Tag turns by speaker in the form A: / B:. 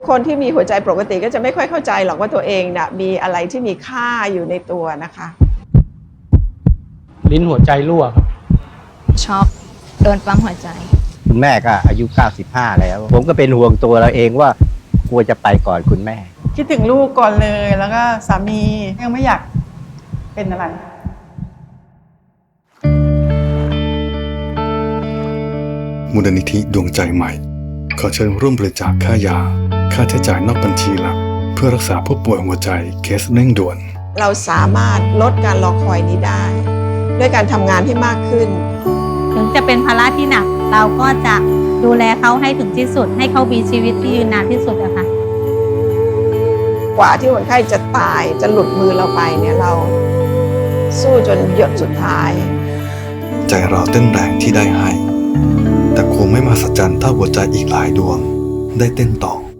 A: คนที่มีหัวใจปกติก็จะไม่ค่อยเข้าใจหรอกว่าตัวเองนะมีอะไรที่มีค่าอยู่ในตัวนะคะ
B: ลิ้นหัวใจรั่วครับ
C: ช็อกโดนปั๊มหัวใจ
D: คุณแม่ก็อายุ95แล้วผมก็เป็นห่วงตัวเราเองว่ากลัวจะไปก่อนคุณแม่
E: คิดถึงลูกก่อนเลยแล้วก็สามียังไม่อยากเป็นอะไร
F: มูลนิธิดวงใจใหม่ขอเชิญร่วมบริจาคค่ายาค่าใช้จ่ายนอกบัญชีหลักเพื่อรักษาผู้ป่วยหัวใจเคสเร่งด่วน
A: เราสามารถลดการรอคอยนี้ได้ด้วยการทำงานที่มากขึ้น
C: ถึงจะเป็นภาระที่หนักเราก็จะดูแลเขาให้ถึงที่สุดให้เขามีชีวิตที่ยืนนานที่สุดอะค่ะ
A: กว่าที่คนไข้จะตายจะหลุดมือเราไปเนี่ยเราสู้จนหยดสุดท้าย
F: ใจเราเต้นแรงที่ได้ให้แต่คงไม่มหัศจรรย์เท่าหัวใจอีกหลายดวงได้เต้นต่อ